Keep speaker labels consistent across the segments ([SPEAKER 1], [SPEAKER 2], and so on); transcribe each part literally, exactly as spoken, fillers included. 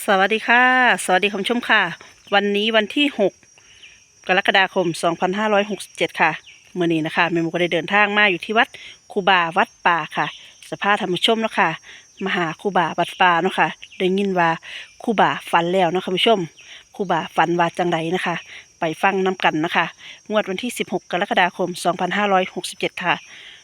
[SPEAKER 1] สวัสดีค่ะสวัสดีคุณผู้ชมค่ะวันนี้วันที่หกกรกฎาคมสองพันห้าร้อยหกสิบเจ็ดค่ะเมื่อนี้นะคะแม่หมูก็ได้เดินทางมาอยู่ที่วัดครูบาวัดป่าค่ะสภาพธรรมชมเนาะค่ะมาหาครูบาวัดป่าเนาะค่ะได้ยินว่าครูบาฝันแล้วเนาะคุณผู้ชมครูบาฝันว่าจังไดนะคะ ไปฟังน้ำกันนะคะงวดวันที่สิบหกกรกฎาคมสองพันห้าร้อยหกสิบเจ็ดค่ะ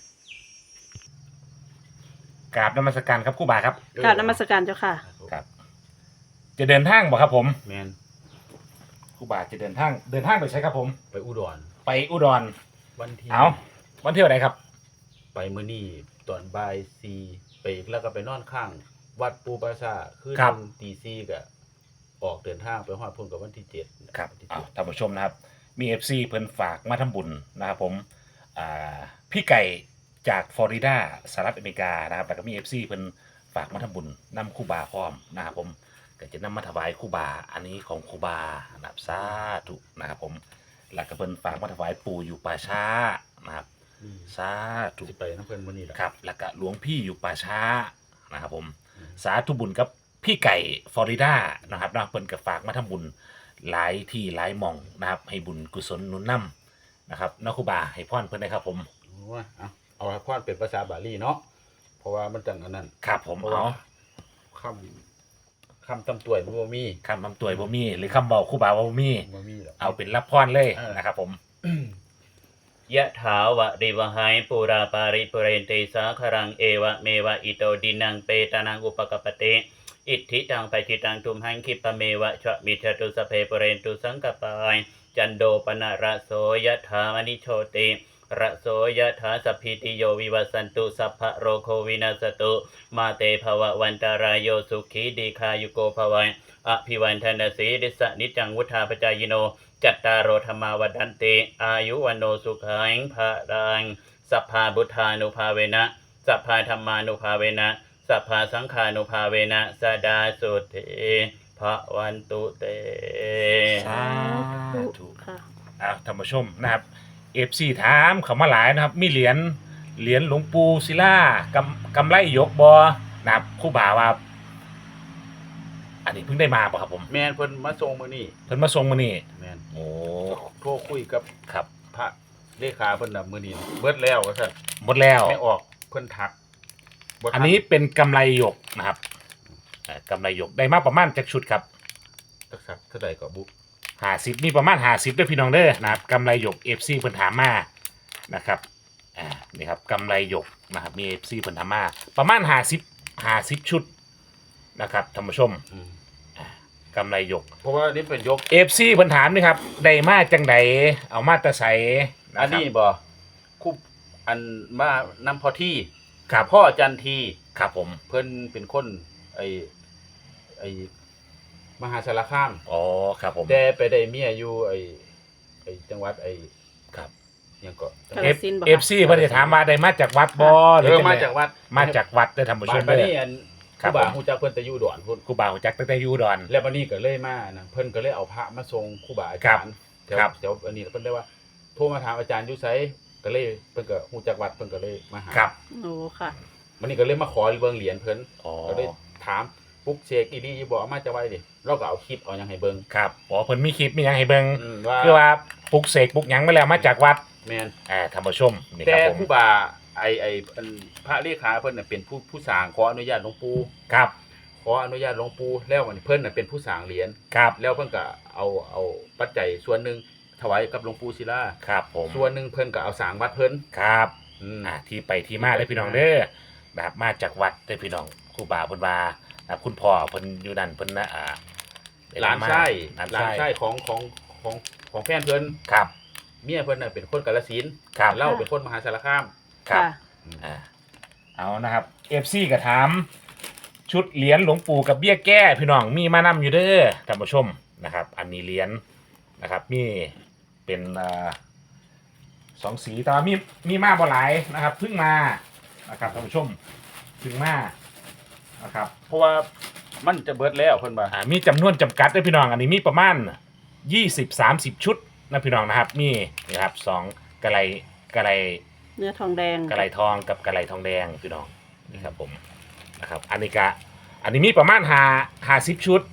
[SPEAKER 2] กราบนมัสการครับครู่บาครับ
[SPEAKER 1] กราบนมัสการเจ้าค่ะ
[SPEAKER 2] ครับ จะเดินทางบ่ครับผม
[SPEAKER 3] แมน
[SPEAKER 2] ครู่บาจะเดินทางเดินทางไปใช้ครับผม
[SPEAKER 3] ไปอุดร
[SPEAKER 2] ไปอุดร
[SPEAKER 3] วันที่
[SPEAKER 2] เอาวันที่เท่าไหร่ครับ
[SPEAKER 3] ไปมื้อนี้ตอนบ่ายสี่ไปแล้วก็ไปนอนข้าง วัดปูปราสาทคือตีสี่ก็ออกเดินทางไปฮอดพุ่นกับวันที่เจ็ด
[SPEAKER 2] ครับเอาท่านผู้ชมนะครับมี เอฟ ซี เพิ่นฝากมาทำบุญนะครับผมอ่าพี่ไก่จากฟลอริดาสหรัฐอเมริกานะครับแล้วก็มี เอฟ ซี เพิ่นฝากมาทำบุญนำครู่บาพร้อมนะครับผมก็จะนำมาถวายครู่บาอันนี้ของครู่บานะครับสาธุนะครับผมแล้วก็เพิ่นฝากมาถวายปู่อยู่ป่าช้านะครับสาธุ
[SPEAKER 3] สิไปนำเพิ่นมื้อนี้ล่ะ
[SPEAKER 2] ครับแล้วก็หลวงพี่อยู่ป่าช้านะครับผมสาธุบุญกับพี่ไก่ฟลอริดานะครับนะเพิ่นก็ฝากมาทำบุญหลายที่หลายหม่องนะครับให้บุญกุศลหนุนนำนะครับนักครูบาให้พรเพิ่นได้ครับผม
[SPEAKER 3] โอ้ยเอาเอาให้พรเป็นภาษาบาลีเนาะเพราะว่ามันจังอันนั้น
[SPEAKER 2] ครับผมเอา
[SPEAKER 3] คำคำตำตัวยบ่มี
[SPEAKER 2] คำตำตัวยบ่มีหรือคำบอกครูบาบ่มี
[SPEAKER 3] บ่มีหรอก
[SPEAKER 2] เอาเป็นรับพรเลยนะครับผม
[SPEAKER 4] ยะถาวะริวหายปูราปาริปุเรนติสาครังเอวะเมวะอิโตดินังเปตานังอุปกปติอิทธิตังปจิตังทุมหังคิปะเมวะชะมิชตุสเพปุเรนตุสังกปายจันโดปนะระโสยะถามณิโชติระโสยะถาสัพพิติโยวิวัสสันตุสัพพะโรโควินาศตุมาเตภวะวันตารายโยสุขีดีคายุโกภวัยอภิวันทนาสีดิสนิจังวุธาปจายโนจัตตารโอธรรมาวัฏันติอายุวันโนสุขังภะรังสัพพาบุทธานุภาเวนะสัพพาธรรมานุภาเวนะสัพพาสังฆานุภาเวนะสดาสุเทภวันตุเต
[SPEAKER 2] สาธุค่ะอ่าท่านผู้ชมนะครับ เอฟ ซี ถามเข้ามาหลายนะครับมีเหรียญเหรียญหลวงปู่ศิลากำกำไรยกบ่นะครับครูบาว่าอันนี้เพิ่งได้มาป่ะครับผม
[SPEAKER 3] แม่นเพิ่นมาส่งมื้อนี้
[SPEAKER 2] เพิ่นมาส่งมื้อนี้
[SPEAKER 3] แม่น
[SPEAKER 2] โอ้
[SPEAKER 3] โทรคุยกับ
[SPEAKER 2] ครับ
[SPEAKER 3] พระเลขาเพิ่นน่ะมื้อนี้เบิดแล้วว่าซั่น
[SPEAKER 2] หมดแล้ว
[SPEAKER 3] ไม่ออกเพิ่นทัก
[SPEAKER 2] อันนี้เป็นกำไรหยกนะครับกำไรหยกได้มาประมาณจักชุดครับ
[SPEAKER 3] จักสักเท่าใดก็บุ
[SPEAKER 2] ห้าสิบมีประมาณห้าสิบด้วยพี่น้องเด้อนะครับกำไรหยก เอฟ ซี เพิ่นถามมานะครับอ่านี่ครับกำไรหยกนะครับมี เอฟ ซี เพิ่นถามมาประมาณห้าสิบ ห้าสิบชุดนะครับท่านผู้ชมกำไรหยก
[SPEAKER 3] เพราะว่านี่เป็นยก
[SPEAKER 2] เอฟ ซี เพิ่นถามนี่ครับได้มาจังไดเอามาแต่ไส
[SPEAKER 3] อันนี้บ่คุบอันมานำพอที่
[SPEAKER 2] ครับ
[SPEAKER 3] พ่อจันที
[SPEAKER 2] ครับผม
[SPEAKER 3] เพิ่นเป็นคนไอไอมหาสารคาม
[SPEAKER 2] อ๋อครับผม
[SPEAKER 3] แต่ไปได้เมียอยู่ไอไอจังหวัดไอ
[SPEAKER 2] ครับ
[SPEAKER 3] ยังก็
[SPEAKER 2] เอฟ ซี เพิ่นสิถามมาได้มาจากวัดบ่
[SPEAKER 3] หรือมาจากวัด
[SPEAKER 2] มาจากวัดเด้อท่านผู้ชมเด้อ
[SPEAKER 3] บัดนี้อันครูบาฮู้จักเพิ่นแต่อยู่อุดรพุ่น
[SPEAKER 2] ครูบาฮู้จักตั้งแต่อยู่อุดร
[SPEAKER 3] แล้วบัดนี้ก็เลยมานะเพิ่นก็เลยเอาพระมาส่งครูบาอาจารย์
[SPEAKER 2] ครับ
[SPEAKER 3] เดี๋ยวอันนี้เพิ่นได้ว่าโทรมาถามอาจารย์อยู่ไสก็เลยเพิ่นก็ฮู้จักวัดเพิ่นก็เลยมาหา
[SPEAKER 2] ครับ
[SPEAKER 1] โอ้ค่ะ
[SPEAKER 3] วันนี้ก็เลยมาขอเบิ่งเหรียญเพิ่น
[SPEAKER 2] อ๋อ
[SPEAKER 3] ก็เลยถามปุ๊กเชกอีหลีอีบ่เอามาจะไว้ดิเราก็เอาคลิปเอาหยังให้เบิ่ง
[SPEAKER 2] ครับอ๋อเพิ่นมีคลิปมีหยังให้เบิ่ง
[SPEAKER 3] ว่า
[SPEAKER 2] คือว่าปลุกเสกปลุกหยังมาแล้วมาจากวัด
[SPEAKER 3] แม่น
[SPEAKER 2] อ่าท่านผู้ชมนี่
[SPEAKER 3] ค
[SPEAKER 2] รับผม
[SPEAKER 3] แต่ครูบาไอ้ไอ้เพิ่นพระเลขาเพิ่นน่ะเป็นผู้ผู้สร้างขออนุญาตหลวงปู่
[SPEAKER 2] ครับ
[SPEAKER 3] ขออนุญาตหลวงปู่แล้วมันเพิ่นน่ะเป็นผู้สร้างเหรียญ
[SPEAKER 2] ครับ
[SPEAKER 3] แล้วเพิ่นก็เอาเอาปัจจัยส่วนหนึงถวายกับหลวงปู่ศิลา
[SPEAKER 2] ครับผม
[SPEAKER 3] ส่วนหนึงเพิ่นก็เอาสร้างวัดเพิ่น
[SPEAKER 2] ครับอ่าที่ไปที่มาได้พี่น้องเด้อนะครับมาจากวัดได้พี่น้องครูบาเพิ่นว่านะครับคุณพ่อเพิ่นอยู่นั่นเพิ่นนะอ่า
[SPEAKER 3] หลานชายหลานชายของของของของแฟนเพิ่น
[SPEAKER 2] ครับ
[SPEAKER 3] เมียเพิ่นน่ะเป็นคนกาฬสินธุ์เล่าเป็นคนมหาสารคาม
[SPEAKER 2] ครับอ่าเอานะครับ เอฟ ซี ก็ถามชุดเหรียญหลวงปู่กับเบี้ยแก้พี่น้องมีมานำอยู่เด้อท่านผู้ชมนะครับอันนี้เหรียญนะครับมีเป็นอ่าสองสีแต่ว่ามีมีมาบ่หลายนะครับเพิ่งมานะครับท่านผู้ชมเพิ่งมานะครับ
[SPEAKER 3] เพราะว่ามันจะเบิดแล้วเพิ่นว่า
[SPEAKER 2] อ่ามีจำนวนจำกัดด้วยพี่น้องอันนี้มีประมาณยี่สิบ สามสิบชุดนะพี่น้องนะครับมีนะครับสองกะไลกะไล
[SPEAKER 1] เนื้อทองแดง
[SPEAKER 2] กะไลทองกับกะไลทองแดงพี่น้องนี่ครับผมนะครับอันนี้กะอันนี้มีประมาณห้า ห้าสิบชุด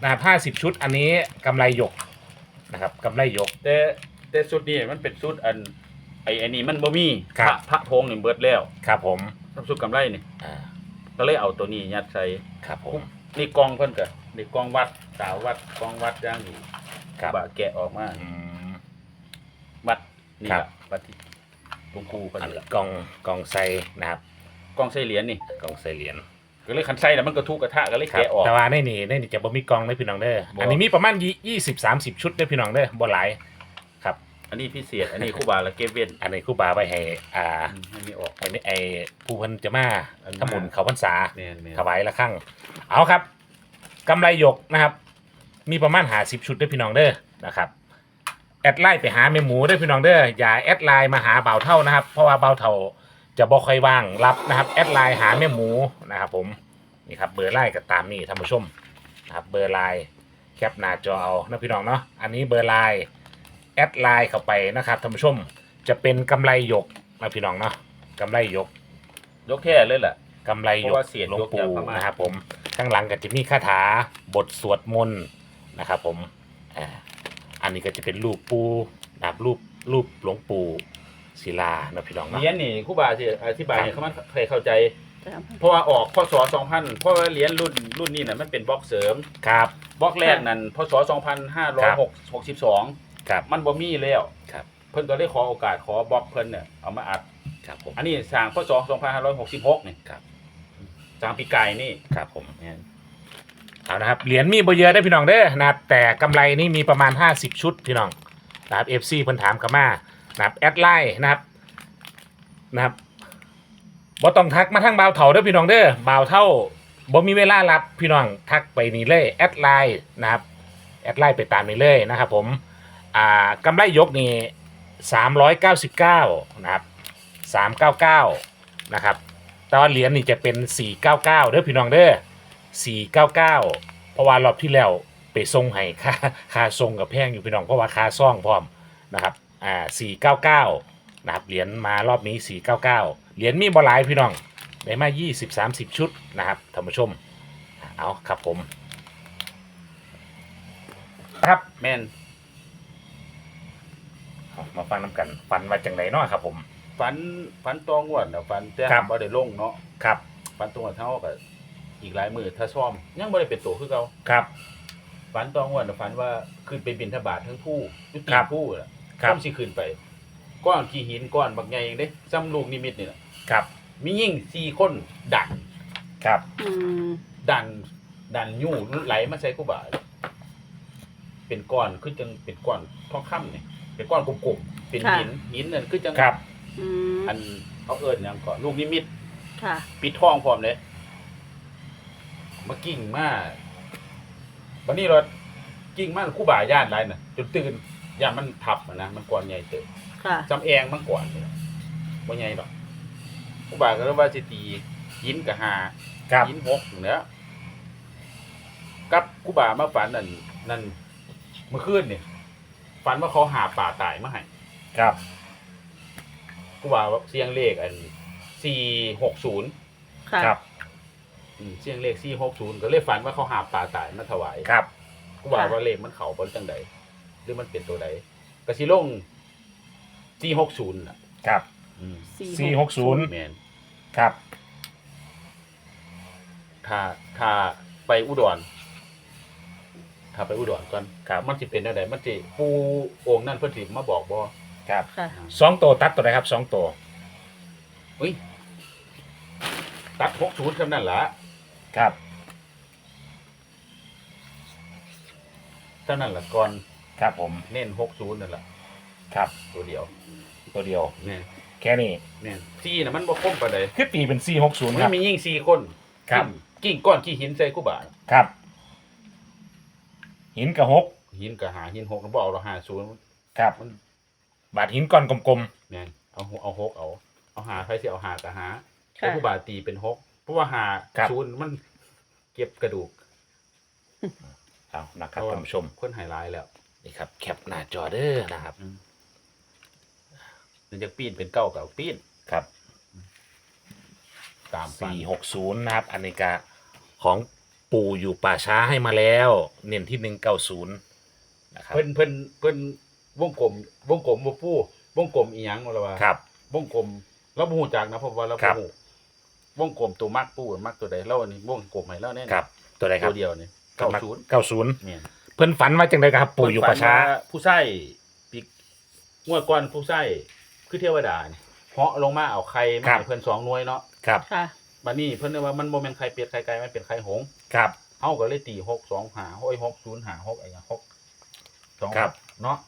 [SPEAKER 2] นะครับห้าสิบชุดอันนี้กำไรหยกนะครับกำไรหยก
[SPEAKER 3] แต่แต่ชุดนี้มันเป็นชุดอันไอ้ไอ้นี่มันบ่มี
[SPEAKER 2] ครั
[SPEAKER 3] พ
[SPEAKER 2] บ
[SPEAKER 3] ระพระธงนี่เบิดแล้ว
[SPEAKER 2] ครับผม
[SPEAKER 3] น้ำชุดกำไรนี่
[SPEAKER 2] อ่า
[SPEAKER 3] ก็เลยเอาตัวนี้ยัดใส่
[SPEAKER 2] ครับผม
[SPEAKER 3] นี่กองเพิ่นก็นี่กองวัดสาววัดกองวัดอย่างนี้
[SPEAKER 2] ครับ
[SPEAKER 3] บะแกะออกมา
[SPEAKER 2] อืม
[SPEAKER 3] วัดนี่
[SPEAKER 2] ครับ
[SPEAKER 3] ล่ะวัดที่หลวงปู่เพิ่น
[SPEAKER 2] อัน
[SPEAKER 3] นี่ล่ะ
[SPEAKER 2] กองกองไซนะครับ
[SPEAKER 3] กองใส่เหรียญนี่
[SPEAKER 2] กองไซเหรียญ
[SPEAKER 3] ก็เลยคันใส่แล้วมันก็ทุกกระทะก็เลย
[SPEAKER 2] ครับ
[SPEAKER 3] แกะออก
[SPEAKER 2] แต่ว่าในนี่ในนี่จะบ่มีกองได้พี่น้องเด้อ
[SPEAKER 3] บ่
[SPEAKER 2] อันนี้มีประมาณยี่สิบสามสิบชุดได้อพี่น้องเด้อบ่หลายครับ
[SPEAKER 3] อันนี้พิเศษอันนี้ครูบาละเก็บเว้น
[SPEAKER 2] อันนี้ครูบาไปให้อ่า
[SPEAKER 3] อืมให้มีออก
[SPEAKER 2] ไอ้นี่ไอ้ผู้เพิ่นจะมา
[SPEAKER 3] อันมา
[SPEAKER 2] ทำบุญเขาพรรษา
[SPEAKER 3] แม่นแม่น
[SPEAKER 2] ถวายละครั้งเอาครับกำไรหยกนะครับ มีประมาณหาสิบชุดด้วยพี่น้องเด้อนะครับแอดไลน์ไปหาแม่หมูด้วยพี่น้องเด้ออย่าแอดไลน์มาหาเบาเท่านะครับ เพราะว่าเบาเท่าจะบ่ค่อยว่างรับนะครับแอดไลน์หาแม่หมูนะครับผมนี่ครับเบอร์ไลน์ก็ตามนี่ท่านผู้ชมนะครับเบอร์ไลน์แคปหน้าจอเอานะพี่น้องเนาะอันนี้เบอร์ไลน์แอดไลน์เข้าไปนะครับท่านผู้ชมจะเป็นกำไรหยกนะพี่น้องเนาะกำไรหยก
[SPEAKER 3] ยกแท้เลยล่ะ
[SPEAKER 2] กำไรหย
[SPEAKER 3] เพ
[SPEAKER 2] ก
[SPEAKER 3] ราะว่าเสียด
[SPEAKER 2] หลวง
[SPEAKER 3] ยกจาก
[SPEAKER 2] ปู่
[SPEAKER 3] พม่าน
[SPEAKER 2] นะครับผมข้างหลังก็จะมีคาถาบทสวดมนต์นะครับผมอ่าอันนี้ก็จะเป็นรูปปู่นะครับรูปรูปหลวงปู่ศิลานะพี่น้อง
[SPEAKER 3] เห
[SPEAKER 2] เนาะ
[SPEAKER 3] รียญนี่ครูบาสิอธิบายให้เขามันใครเข้าใจ
[SPEAKER 1] ครับ
[SPEAKER 3] เพราะว่าออกพศสองพันเพราะว่าเหรียญรุ่นรุ่นนี้น่ะมันเป็นบล็อกเสริม
[SPEAKER 2] ครับ
[SPEAKER 3] บล็อกแรกนั่นพศสองพันห้าร้อยหกสิบสอง
[SPEAKER 2] ครับ
[SPEAKER 3] มันบ่มีแล้ว
[SPEAKER 2] ครับ
[SPEAKER 3] เพิ่นก็เลยขอโอกาสขอบล็อกเพิ่นเนี่ยเอามาอัด
[SPEAKER 2] ครับผม
[SPEAKER 3] อันนี้สร้างพศสองพันห้าร้อยหกสิบหกนี่
[SPEAKER 2] ครับ
[SPEAKER 3] สร้างปีไก่นี่
[SPEAKER 2] ครับผม
[SPEAKER 3] แม่น
[SPEAKER 2] เอานะครับเหรียญมีบ่เยอะได้อพี่น้องเด้อนะครับแต่กำไรนี่มีประมาณห้าสิบชุดพี่น้องนะครับ เอฟ ซี เพิ่นถามเข้ามานะครับแอดไลน์นะครับนะครับบ่ต้องทักมาทางบ่าวเฒ่าเด้อพี่น้องเด้อบ่าวเฒ่าบ่มีเวลารับพี่น้องทักไปนี่เลยแอดไลน์นะครับแอดไลน์ไปตามนี้เลยนะครับผมอ่ากำไรยกนี่สามร้อยเก้าสิบเก้านะครับสามร้อยเก้าสิบเก้านะครับแต่ว่าเหรียญนี่จะเป็นสี่ร้อยเก้าสิบเก้าเด้อพี่น้องเด้อสี่ร้อยเก้าสิบเก้าเพราะว่ารอบที่แล้วไปส่งให้ค่าค่าส่งกับแพงอยู่พี่น้องเพราะว่าค่าซ่องพร้อมนะครับอ่าสี่ร้อยเก้าสิบเก้านะครับเหรียญมารอบนี้สี่ร้อยเก้าสิบเก้าเหรียญมีบ่หลายพี่น้องได้มายี่สิบ สามสิบชุดนะครับท่านผู้ชมเอาครับผมครับ
[SPEAKER 3] แม่น
[SPEAKER 2] เอามาฟังน้ำกันฟันมาจังไหนเนาะครับผม
[SPEAKER 3] ฝันฝันตองวดน่ะฝันแต่
[SPEAKER 2] ครับ
[SPEAKER 3] บ่ได้ลงเนาะ
[SPEAKER 2] ครับ
[SPEAKER 3] ฝันตองวดเท่าก็อีกหลายมื้อถ้าซ่อมยังบ่ได้เป็นตัวคือเก่า
[SPEAKER 2] ครับ
[SPEAKER 3] ฝันตองวดน่ะฝันว่าขึ้นไปบิณฑบาตทั้งผู้ยุติ
[SPEAKER 2] ครับ
[SPEAKER 3] ผู้น่ะ
[SPEAKER 2] ครับ
[SPEAKER 3] ผมสิขึ้นไปก้อนขี้หินก้อนบักใหญ่เองเด้ซ้ำลูกนิมิตนี่น่ะ
[SPEAKER 2] ครับ
[SPEAKER 3] มียิ่งสี่คนดัน
[SPEAKER 2] ครับ
[SPEAKER 1] อืม
[SPEAKER 3] ดันดันยู่ไหลมาใส่กูบ่าเป็นก้อนคือจังเป็นก้อนทองคำนี่เป็นก้อนกลมๆเป็นหินหินนั่นคือจัง
[SPEAKER 2] ครับ
[SPEAKER 1] อืม
[SPEAKER 3] อันเอาเอิ้นหยังก่อนลูกนิมิต
[SPEAKER 1] ค่ะ
[SPEAKER 3] ปิดทองพร้อมเลยมากิ่งมาวันนี้เรากิ่งมาคู่บ่าย่านไรน่ะจนตื่นย่านมันทับอะนะมันก้อนใหญ่เติบ
[SPEAKER 1] ค่ะ
[SPEAKER 3] จำแองมันก่อนเลยว่าใหญ่หรอกคู่บ่าก็เรียกว่าสิตีหินกับหา
[SPEAKER 2] ครับ
[SPEAKER 3] หินหกอยู่แล้วกับคู่บ่ามาฝันนั่นนั่นเมื่อคืนเนี่ยฝันว่าเขาหาป่าตายมาให้
[SPEAKER 2] ครับ
[SPEAKER 3] คู่บ่าว่าเสียงเลขอันสี่หกศูนย์
[SPEAKER 1] ค่ะ
[SPEAKER 2] ครับ
[SPEAKER 3] อืมเสียงเลขสี่หกศูนย์ก็เลยฝันว่าเขาหาปลาตายมาถวาย
[SPEAKER 2] ครับ
[SPEAKER 3] กูว่าว่าเลขมันเขาบนจังใดหรือมันเป็นตัวใดกระสิลงสี่หกศูนย์อ่ะ
[SPEAKER 2] ครับ
[SPEAKER 3] อืม
[SPEAKER 2] สี่หกศูนย์
[SPEAKER 3] แมน
[SPEAKER 2] ครับ
[SPEAKER 3] ถ้าถ้าไปอุดรถ้าไปอุดรก่อน
[SPEAKER 2] ครับ
[SPEAKER 3] มันสิเป็นจังใดมันสิปูองค์นั่นเพิ่นสิมาบอกบ่
[SPEAKER 2] ครับ
[SPEAKER 1] ค่ะ
[SPEAKER 2] สองตัวตัดตัวไหนครับสองตัว
[SPEAKER 3] อุ้ยตัดหกศูนย์เท่านั้นล่ะ
[SPEAKER 2] ครับ
[SPEAKER 3] เท่านั้นล่ะก่อน
[SPEAKER 2] ครับผม
[SPEAKER 3] เน้นหกศูนย์นั่นล่ะ
[SPEAKER 2] ครับ
[SPEAKER 3] ตัวเดียว
[SPEAKER 2] ตัวเดียว
[SPEAKER 3] แม่น
[SPEAKER 2] แค่นี้
[SPEAKER 3] แม่นสี่น่ะมันบ่คมปานใด
[SPEAKER 2] คือตีเป็นสี่หกศูนย์
[SPEAKER 3] มั
[SPEAKER 2] ครับ
[SPEAKER 3] นมียิ่งสี่คน
[SPEAKER 2] ครับ
[SPEAKER 3] กิ่งก้อนขี้หินใส่กูบ่า
[SPEAKER 2] ครับ หินกับหก
[SPEAKER 3] หินกับหาหินหกแล้วบเอกเราหาศูนย์
[SPEAKER 2] ครับ บาดหินก้อนกลม
[SPEAKER 3] แม่นเอาหกเอาหกเอาเอาหาใครสิเอาหากับหา
[SPEAKER 1] ค่ะ
[SPEAKER 3] แล้วผู้บาตีเป็นหกเพราะว่าหา
[SPEAKER 2] ครับ
[SPEAKER 3] ศูนย์มันเก็บกระดูก
[SPEAKER 2] ๆเอานะครับท่านผู้ชม
[SPEAKER 3] คนไฮไลท์แล้ว
[SPEAKER 2] นี่ครับแคปหน้าจอเด้อนะครับ
[SPEAKER 3] มันจะปีนเป็นเก้ากับปีน
[SPEAKER 2] ครับ
[SPEAKER 3] ตามไป
[SPEAKER 2] สี่หกศูนย์นะครับอันนี้ก็ของปปู่อยู่ป่าช้าให้มาแล้ว เน้นที่หนึ่งเก้าศูนย์นะครับ
[SPEAKER 3] เพิ่นเพิ่นเพิ่นวงกลมวงกลมบ่ปูวงกลมอีหยังบ่ล่ะว่า
[SPEAKER 2] ครับ
[SPEAKER 3] วงกลมเราบ่ฮู้จักนะเพราะว่าเรา
[SPEAKER 2] ครั
[SPEAKER 3] บ่
[SPEAKER 2] บ
[SPEAKER 3] ฮู้วงกลมตัวมักปูมักตัวใดเราอันนี้วงกลมให้เราแน่
[SPEAKER 2] ครับ ตัวใดครั
[SPEAKER 3] ตั
[SPEAKER 2] บ
[SPEAKER 3] วเดียวนี่
[SPEAKER 2] เก้า
[SPEAKER 3] เก้า
[SPEAKER 2] ศู
[SPEAKER 3] ศู
[SPEAKER 2] น
[SPEAKER 3] น
[SPEAKER 2] ย์
[SPEAKER 3] ย์
[SPEAKER 2] เก้าศูนย์
[SPEAKER 3] เนี่ย
[SPEAKER 2] เพิ่นฝันว่าจังไดครับ ปู่อยู่ป่าช้า
[SPEAKER 3] เพิ่นฝันว่ผู้ใช้ปีกงวดก่อนผู้ใช้คือเทวดานี่เหาะลงมาเอาไข่มา
[SPEAKER 2] ครับ
[SPEAKER 3] ให้เพิ่นสองหน่วยเนาะ
[SPEAKER 2] ครับ
[SPEAKER 1] ค่ะ
[SPEAKER 3] บัดนี้เพิ่นเลยว่ามันบ่แม่นไข่เป็ดไข่ไก่มันเป็นไข่หงส์
[SPEAKER 2] ครับ
[SPEAKER 3] เฮาก็เลยตีหก สอง ห้าโอ้ยหก ศูนย์ ห้า หกอะไรอย่างหกสอง
[SPEAKER 2] ครับ
[SPEAKER 3] เนาะ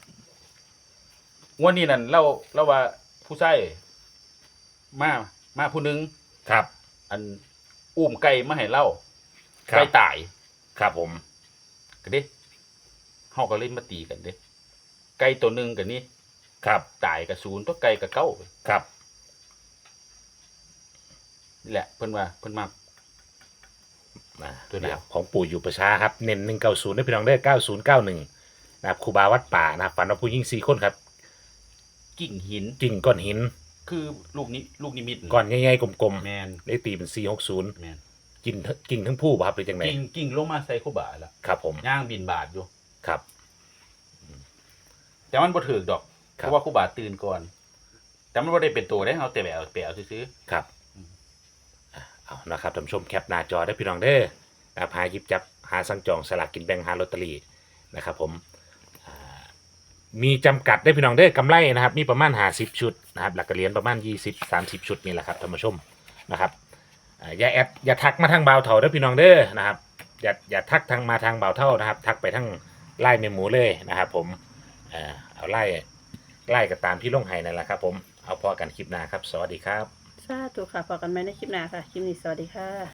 [SPEAKER 3] งวดนี้นั่นเราเราว่าผู้ใช้มามาผู้หนึง
[SPEAKER 2] ครับ
[SPEAKER 3] อันอุ้มไก่มาให้เรา
[SPEAKER 2] ครั
[SPEAKER 3] ไก่
[SPEAKER 2] บ
[SPEAKER 3] ตาย
[SPEAKER 2] ครับผม
[SPEAKER 3] ก็เด้เฮาก็เลยมาตีกันเด้ไก่ตัวหนึงก็นี่
[SPEAKER 2] ครับ
[SPEAKER 3] ตายกับศูนย์ตัวไก่กับเก้า
[SPEAKER 2] ครับ
[SPEAKER 3] นี่แหละเพิ่นว่าเพิ่นมัก
[SPEAKER 2] อ่า
[SPEAKER 3] ตัวเดียว
[SPEAKER 2] นะครับของปู่อยู่ประชาครับเน้นหนึ่งเก้าศูนย์ได้พี่น้องได้เก้าศูนย์เก้าหนึ่งนะครับครูบาวัดป่านะครับฝันว่าผู้หญิงสี่คนครับ
[SPEAKER 3] กิ่งหิน
[SPEAKER 2] กิ่งก้อนหิน
[SPEAKER 3] คือลูกนี้ลูกนิมิต
[SPEAKER 2] ก้อนใหญ่ๆกลม
[SPEAKER 3] แมน
[SPEAKER 2] ๆได้ตีเป็นสี่หกศูนย์
[SPEAKER 3] แมน
[SPEAKER 2] กิ่งทั้งกิ่งทั้งผู้ป่ะครับหรือจังไง
[SPEAKER 3] กิ่งกิ่งลงมาใส่คูบาละ
[SPEAKER 2] ครับผม
[SPEAKER 3] ย่างบินบาทอยู่
[SPEAKER 2] ครับ
[SPEAKER 3] แต่มันบ่ถึกดอก
[SPEAKER 2] ค
[SPEAKER 3] เพ
[SPEAKER 2] รับ
[SPEAKER 3] ราะว่าคูบาตื่นก่อน แต่มันบ่ได้เป็นตัวได้เอาแต่แบวแปวซื้อ
[SPEAKER 2] ครับอ่ะเอานะครับท่านผู้ชมแคปหน้าจอได้พี่น้องเด้อนะครับหาหยิบจับหาสั่งจองสลากกินแบ่งหาลอตเตอรี่นะครับผมอ่ามีจำกัดได้พี่น้องเด้อกำไรนะครับมีประมาณห้าสิบชุดนะครับหลักเหรียญประมาณยี่สิบ สามสิบชุดนี่แหละครับท่านผู้ชมนะครับอ่าอย่าแอดอย่าทักมาทางบ่าวเถาเด้อพี่น้องเด้อนะครับอย่าอย่าทักทางมาทางบ่าวเท่านะครับ ทักไปทางไล่เมหมูเลยนะครับผมเอ่อเอาไล่ไล่ก็ตามที่ลงให้นั่นแหละครับผมเอาพอกันคลิปหน้าครับสวัสดีครับ
[SPEAKER 1] สาธุค่ะพอกันไหมในคลิปหน้าค่ะ คลิปนี้สวัสดีค่ะ